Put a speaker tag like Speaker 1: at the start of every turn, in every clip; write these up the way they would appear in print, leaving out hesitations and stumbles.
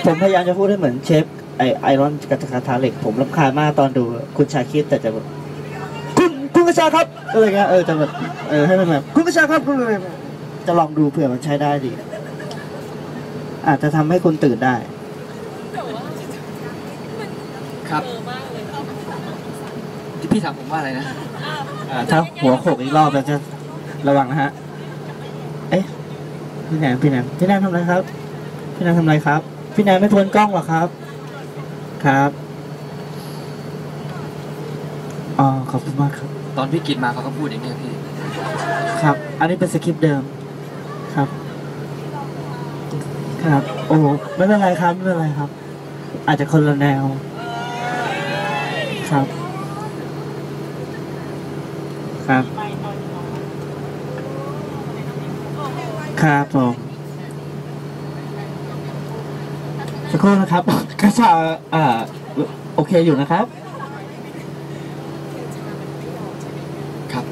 Speaker 1: ผมพยายามจะพูดให้เหมือนเชฟไอรอนกับกระทะเหล็กผมรำคาญมากตอนดูคุณชาคิดแต่จะแบบคุณกระชาครับอะไรเงี้ยจะแบบให้มันแบบคุณกระชาครับจะลองดูเผื่อมันใช้ได้ดีอาจจะทำให้คุณตื่นได้
Speaker 2: ครับที่พี่ถามผมว่าอะไรนะ
Speaker 1: ถ้าหัวโขกอีกรอบเราจะระวังนะฮะพี่แนนทำอะไรครับพี่แนนทำอะไรครับพี่แนนไม่ทวนกล้องหรอครับครับอ๋อขอบคุณมากครับ
Speaker 2: ตอนพี่กินมาเขาก็พูดอย่างนี้พี่
Speaker 1: ครับอันนี้เป็นสคริปต์เดิมครับครับโอ้ไม่เป็นไรครับไม่เป็นไรครับอาจจะคนละแนวครับครับครับผมสักครู่นะครับกระชาโอเคอยู่นะครับ
Speaker 2: ครับ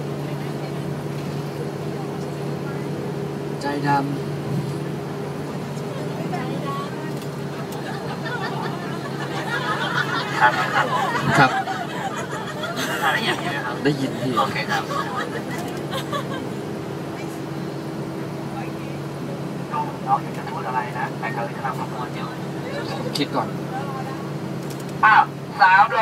Speaker 2: ใจดำครับได้ยินพี่โอเคครับน้องอยากจะพูดอะไรนะแต่เขาจะทำคำพูดอยู่คิดก่อน
Speaker 3: 3 โล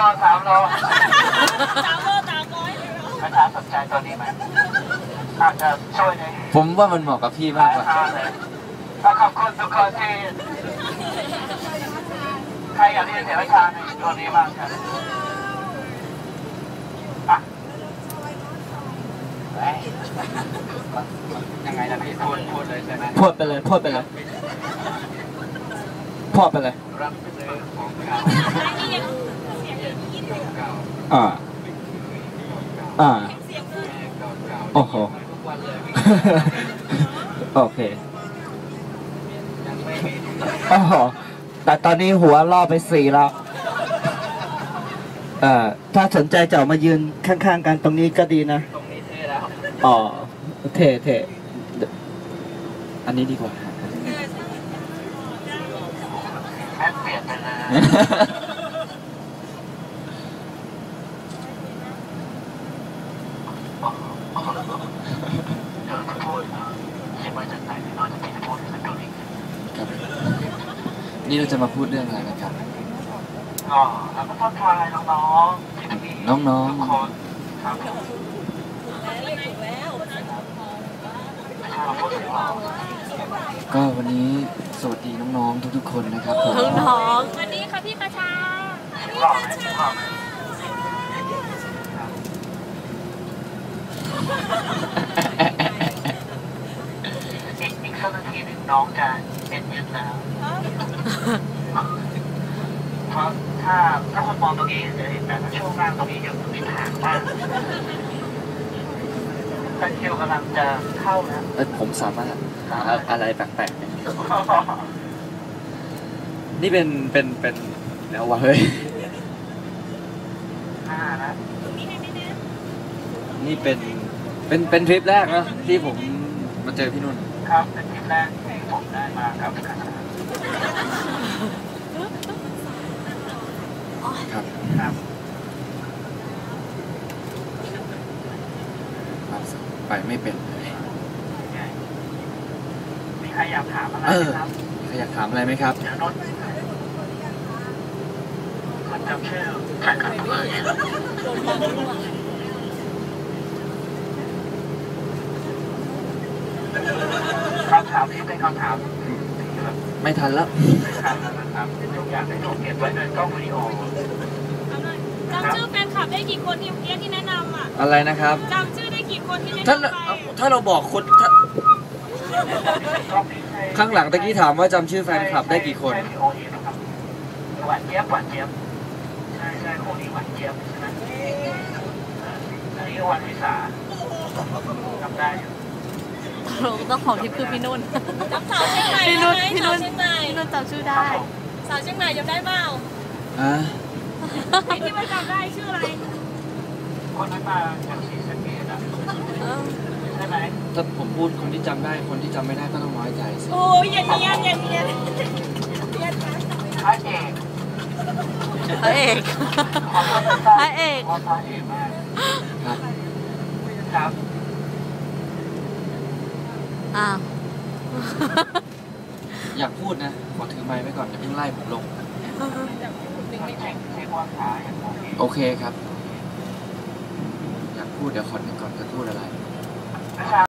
Speaker 3: ประชาสนใจตัวนี้ไหมอาจจะช่วยใน
Speaker 2: ผมว่ามันเหมาะกับพี่มากกว่า
Speaker 3: ขอบคุณทุกคนที่ใครอยากที่จะเสียวิชาในตัวนี้บ้างครับยังไงนะพี่พูดเลยใช่ไหม
Speaker 2: พูดไปเลยรับซื้อของเก่
Speaker 1: าโอ้โหโอเคโอ้โหแต่ตอนนี้หัวล่อไป4แล้วถ้าสนใจจะมายืนข้างๆกันตรงนี้ก็ดีนะ
Speaker 3: ตรงนี้เท่แล้ว
Speaker 1: อ๋อเท่
Speaker 2: อันนี้ดีกว่า
Speaker 3: แม่เปลี่ยนไปเลย
Speaker 2: นี่เราจะมาพูดเรื่องอะไรกันครับ
Speaker 3: แล้วก็ทักทายน้องครับ
Speaker 2: ก็วันนี้สวัสดีน้องๆทุกๆคนนะครับผม
Speaker 4: น้องสวัสดีค่ะพี่กระชา
Speaker 3: อีกสักนาทีหนึ่งน้องจะเป็นยืนแล้วเพราะถ้าคนมองตรงนี้จะเห็นแต่ช่วงล่างตรงนี้ยังมีทางมากแต่คิวกำลังจะเข้านะ
Speaker 2: ผมสามารถอะไรแปลกๆนี่เป็นแล้ววะเฮ้ย
Speaker 3: นะ
Speaker 2: นี่เป็นทริปแรกนะที่ผมมาเจอพี่นุ่น
Speaker 3: ครับเป็นทริปแรกที่ผมได้มาครับ
Speaker 2: ครับไปไม่เป็นเลย
Speaker 3: มีใครอยากถามอะไรไหมครับ
Speaker 2: มีใครอยากถามอะไรไหมครับ
Speaker 3: คนจำชื่อใครกันเลยคำถามนี้เป็นคำถาม
Speaker 2: ไม่ทันแล้ว
Speaker 3: นะครับอยากให้ถูกเก็บไว้ในกล้องวิดีโอ
Speaker 4: จำชื่อแฟนคลับได้กี่คนที่แนะนำ
Speaker 2: อะไรนะครับ
Speaker 4: จำชื่อได้กี่คนที่แนะน
Speaker 2: ำถ้าเราบอกคนข้างหลังตะกี้ถามว่าจำชื่อแฟนคลับได้กี่คน
Speaker 3: หวานเจี๊ยบใช่คู่นี้หวานเจี๊ยบใช่ไหมอันนี้วันวิสาจำได้อยู่
Speaker 4: ต้องของทิพย์คือพี่นุ่นจำสาวเชียงใหม่พี่นุ่นจำชื่อได้สาวเชียงใหม่จำได้เปล่าที่ไม่จำได้ชื่ออะไร
Speaker 3: คนนั้นมาจากศรีสะเกษใช่ไหม
Speaker 2: ถ้าผมพูดคนที่จำได้คนที่จำไม่ได้ก็ต้องน้อยใจสิ
Speaker 4: โอ้ยอย่าเนียนพระเอก พระเอก
Speaker 3: พระเอกมาก
Speaker 2: ครับ
Speaker 3: ครับ
Speaker 4: อ้าว
Speaker 2: อยากพูดนะขอถือไมค์ไว้ก่อนอย่าเพิ่งไล่ผมลง
Speaker 3: เช็คว่าขาอย่างโอเค
Speaker 2: โอเคครับ อยากพูดเดี๋ยวขอนึกก่อนจะพูดอะไร
Speaker 3: วิชา